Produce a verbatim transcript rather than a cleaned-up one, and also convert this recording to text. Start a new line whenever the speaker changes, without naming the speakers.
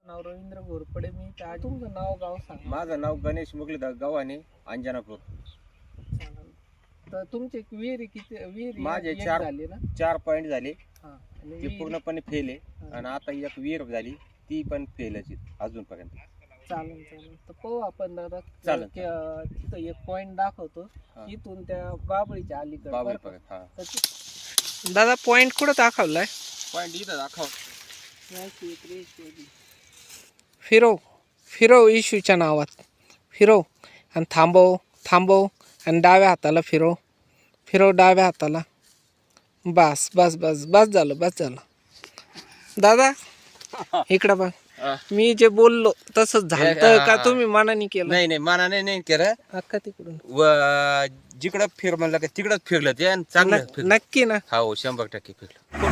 नाव रवींद्र घोरपडे. मी त्या तुमचं नाव गाव सांगा.
माझं नाव गणेश मुगलीधर गव्हाणे अंजनापूर.
चालेल. तर तुमचे विहिरी किती विहिरी
माझे
एक
चार-
झाली ना?
चार पॉइंट झाले
हा. आणि
ते
विहिरी-
पूर्णपणे फेल आहे
हा.
आणि आता एक विहीर झाली ती पण फेलच अजूनपर्यंत.
चालेल चालेल. तर पाहू आपण दादा.
चालेल.
की, अं, तिथं एक पॉइंट दाखवतो
हा.
इथून त्या बाबळीच्या अलीकडे.
बाबळी
बरं का?
पर्यंत हा
तर ते- दादा पॉइंट कुठं दाखवलाय?
पॉइंट इथं दाखव.
फिरव फिरव इशूच्या नावात फिरव आणि थांबव थांबव आणि डाव्या हाताला फिरव फिरव डाव्या हाताला. बस बस बस बस झालं बस झालं. दादा इकडं बघ.
हा.
मी जे बोललो तसंच झालं
हे-
का तुम्ही मनाने केलं?
नाही नाही मनाने नाही केलं.
अक्का तिकडून
व जिकडं फिर म्हणलं का तिकडंच फिरलं ते आणि चांगलं
नक-
फिरलं.
नक्की ना?
हो शंभर टक्के फिरलं.